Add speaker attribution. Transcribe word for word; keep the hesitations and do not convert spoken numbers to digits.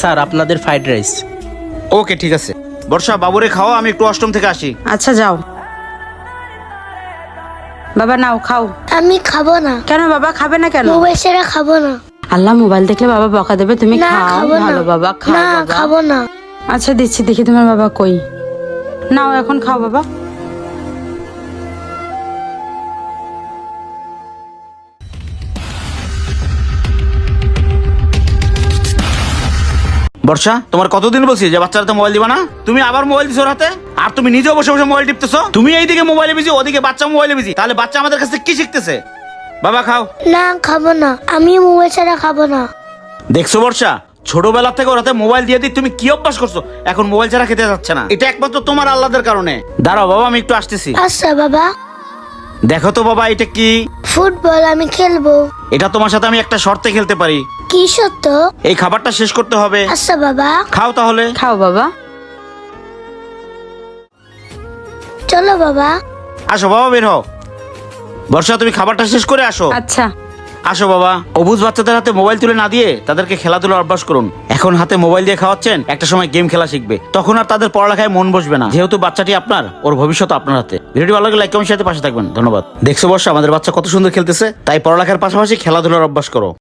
Speaker 1: Sir আপনাদের fried rice.
Speaker 2: ওকে ঠিক আছে। বর্ষা বাবুরে খাওয়া, আমি একটু অষ্টম থেকে আসি।
Speaker 3: আচ্ছা যাও বাবা, নাও খাও।
Speaker 4: আমি খাবো না।
Speaker 3: কেন বাবা খাবে না কেন?
Speaker 4: মোবাইল ছাড়া খাবো না।
Speaker 3: আল্লাহ, মোবাইল দেখলে বাবা বকা দেবে, তুমি
Speaker 4: না
Speaker 3: খাও।
Speaker 4: খাবো না।
Speaker 3: ভালো বাবা, খাও
Speaker 4: না
Speaker 3: বাবা।
Speaker 4: খাবো না।
Speaker 3: আচ্ছা দিচ্ছি, দেখি তোমার বাবা কই। নাও এখন খাও বাবা।
Speaker 2: বর্ষা, তোমার কতদিন বলছি যে বাচ্চারা তো মোবাইল দিবা না? তুমি আবার মোবাইল দিছো ওর হাতে, আর তুমি নিজেও বসে বসে মোবাইল টিপতেছো। তুমি এইদিকে মোবাইলে বিজি, ওদিকে বাচ্চা মোবাইলে বিজি, তাহলে বাচ্চা আমাদের কাছে কি শিখতেছে? বাবা খাও।
Speaker 4: না খাবো না, আমি মোবাইল ছাড়া খাবো না।
Speaker 2: দেখছো বর্ষা, ছোটবেলা থেকে ওর হাতে মোবাইল দিয়ে দিই তুমি কি অভ্যাস করছো, এখন মোবাইল ছাড়া খেতে যাচ্ছে না। এটা একমাত্র তোমার আল্লাদের কারণে। দাঁড়াও বাবা, আমি একটু আসতেছি।
Speaker 4: আচ্ছা বাবা।
Speaker 2: দেখো তো বাবা, এটা কি?
Speaker 4: ফুটবল আমি খেলবো।
Speaker 2: এটা তোমার সাথে আমি একটা শর্তে খেলতে পারি।
Speaker 4: কি সত্য?
Speaker 2: এই খাবারটা শেষ করতে হবে।
Speaker 4: আচ্ছা বাবা।
Speaker 2: খাও তাহলে।
Speaker 3: খাও বাবা।
Speaker 4: চলো বাবা।
Speaker 2: আসো বাবা, বের হও। বর্ষা, তুমি খাবারটা শেষ করে আসো।
Speaker 3: আচ্ছা
Speaker 2: আসো বাবা। অবুঝ বাচ্চাদের হাতে মোবাইল তুলে না দিয়ে তাদেরকে খেলাধুলার অভ্যাস করুন। এখন হাতে মোবাইল দিয়ে খাওয়াচ্ছেন, একটা সময় গেম খেলা শিখবে, তখন আর তাদের পড়ালেখায় মন বসবে না। যেহেতু বাচ্চাটি আপনার, ওর ভবিষ্যৎ আপনার হাতে। ভিডিওটি ভালো লাগলে লাইক কমেন্ট শেয়ার পাশে থাকবেন। ধন্যবাদ। দেখছো বর্ষা, আমাদের বাচ্চা কত সুন্দর খেলতেছে। তাই পড়ালেখার পাশাপাশি খেলাধুলার অভ্যাস করো।